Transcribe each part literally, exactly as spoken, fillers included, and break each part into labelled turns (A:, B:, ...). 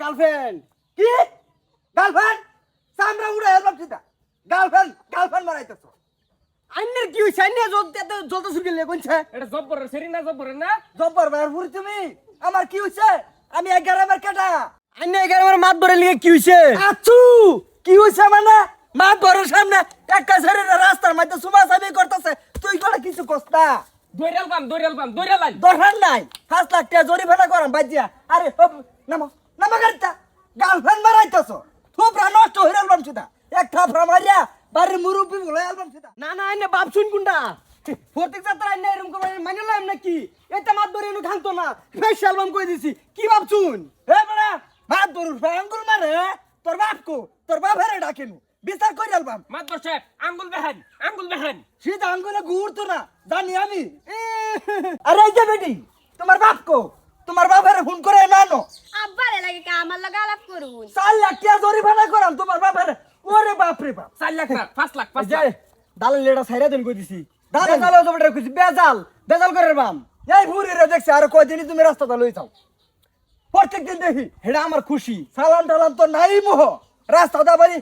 A: girlfriend কি girlfriend সামরা উড়ে এলাম সিধা গার্লফ্রেন্ড গার্লফ্রেন্ড মারাইতেছ আইনের কি হইছে আইনে জলতে জলতে শুরু করলে কোনছে
B: এটা জব্বরের সেরি না জব্বরের না
A: জব্বর বারপুরি তুমি আমার কি হইছে আমি এগারো বার কাটা আইনে এগারো বার মাত ধরে লিয়ে কি হইছে আছু কি হইছে মানে মাত ধরে সামনে একটা ছেড়ে রাস্তার মধ্যে সুমা সাবি করতেছে তুই কোন কিছু কস্তা
B: দৈরাল বাম দৈরাল বাম দৈরাল আই
A: দরকার নাই পাঁচ লাখ টাকা জরিমানা করাম বাজিয়া আরে হপ, নামো নামো গাড়িটা গার্লফ্রেন্ড মারাইতেছ থোপরা নষ্ট হয়ে গেলাম সিধা এক থাপড়া মারিয়া বাড়ির মুরব্বি বলে গেলাম সিধা না না এনে বাপ শুন কোনটা প্রত্যেক যাত্রা এনে এরকম করে মানি লাম নাকি এটা মাত ধরে এনে খান্ত না ফেস অ্যালবাম কই দিছি কি বাপ শুন হে বড়া মাত ধরু আঙ্গুল মারে তোর বাপ কো তোর বাপ হেরে ডাকেনু বিচার কই অ্যালবাম
B: মাদবর সাহেব আঙ্গুল বেহান আঙ্গুল বেহান
A: সিধা আঙ্গুলে ঘুরতো না জানি আমি আরে এই যে বেটি তোমার বাপ কো তোমার বাপের ফোন করে নানো
C: আব্বারে লাগে কা আমার লাগা আলাপ করুন
A: চার লাখ টাকা জরিমানা করাম তোমার বাপের ওরে বাপ রে বাপ
B: চার লাখ না পাঁচ লাখ পাঁচ
A: যে
B: লাখ
A: দালাল লেডা সাইরা দেন কই দিছি দালাল দালাল জবড়ে কইছি বেজাল বেজাল করে বাম এই বুড়ি রে দেখছি আর কয়দিনই তুমি রাস্তাটা লই যাও প্রত্যেক দিন দেখি হেডা আমার খুশি সালাম টালাম তো নাই মোহ রাস্তাটা বাড়ি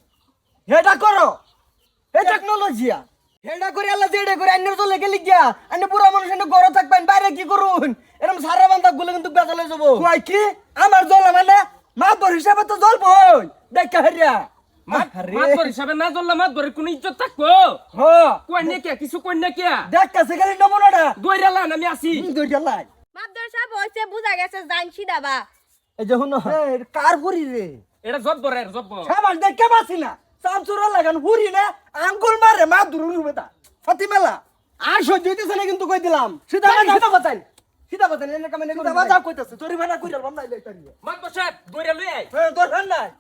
A: হেডা করো হে টেকনোলজিয়া হেডা করে আল্লাহ যেডা করে আন্নের চলে গেলি গিয়া আন্নে পুরো মানুষ এনে ঘরে থাকবেন বাইরে কি করুন এরকম সারা বান্দা গুলো কিন্তু বেজাল হয়ে যাবো কই কি আমার জল মানে মাতবর হিসাবে তো জল বই দেখা হেরিয়া
B: মাদবর হিসাবে না জ্বললে মাদবরের কোনো ইজ্জত থাকবো
A: হ
B: কই নে কে কিছু কই নে কে
A: দেখতাছে খালি নমুনাটা
B: দৈরাল আমি আসি
A: দুইটা লাই
C: মাদ্দর সাহেব হইছে বুঝা গেছে জানছি দাবা
A: এই যে হুনো কার ফুরি রে
B: এটা জব্বরের জব্বর
A: সাবাস দেখে বাসি না সামচুরা লাগান ফুরি না আঙ্গুল মারে মা দুরু রুবেতা ফাতিমেলা আর সহ্য হইতেছে না কিন্তু কই দিলাম সিধা সিধা বাতাই সিধা বাতাই এনে কামে সিধা বাজা কইতাছে তোরি ভাড়া কইরাল বাম নাই লইতারি
B: মাদবর সাহেব দৈরাল লই আই
A: হ্যাঁ তোর ভান নাই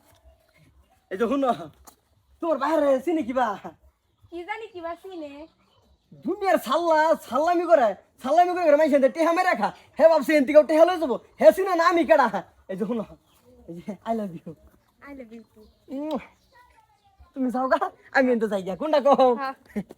A: এই যে হুনো তোর বাইরে চিনি কিবা
C: কি জানি কি বাসিনে
A: দুনিয়ার সাল্লা সাল্লামি করে সাল্লামি করে মাইছে টেহা মেরে রাখা হে বাপসে এন্তি কেউ টেহা লই যাবো হে চিনা না আমি কেডা এই যে হুনো এই যে I love you
C: I love you
A: তুমি যাও গা আমি এনতে যাই গা কোনটা কও
C: হ্যাঁ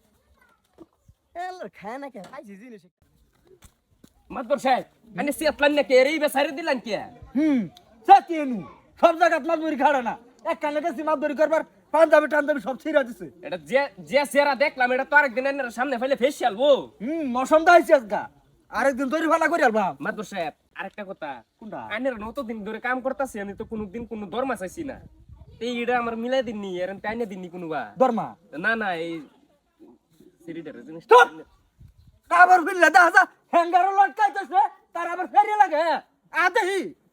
A: এলো খায় না কে খাইছি জিনিস
B: মাদবর সাহেব আনে সিয়াত লান না কে রে বেসারে দিলান কে
A: হুম সত্যিনু সব জায়গা মাদবরি খাড়া না এক কানে গেছি মাদবরি করবার পাঞ্জাবি টাঞ্জাবি সব ছিঁড়া দিছে
B: এটা যে যে চেহারা দেখলাম এটা তো আরেকদিন এর সামনে ফেলে ফেসিয়াল বো
A: হুম মৌসুমটা হয়েছে আজকা আরেকদিন তৈরি ভালো করে আলবা
B: মাদবর সাহেব আরেকটা কথা
A: কোনটা
B: আনের নত দিন ধরে কাম করতেছি আমি তো কোনোদিন কোনো দরমা চাইছি না এই এটা আমার মিলাই দিননি এর টাইনে দিননি কোনোবা
A: দরমা
B: না না এই সিরিডার জিনিস
A: স্টপ আবার ফিরলে দেখা যা হ্যাঙ্গারও লটকাইতেছে তার আবার ফেরিয়ে লাগে আদেহি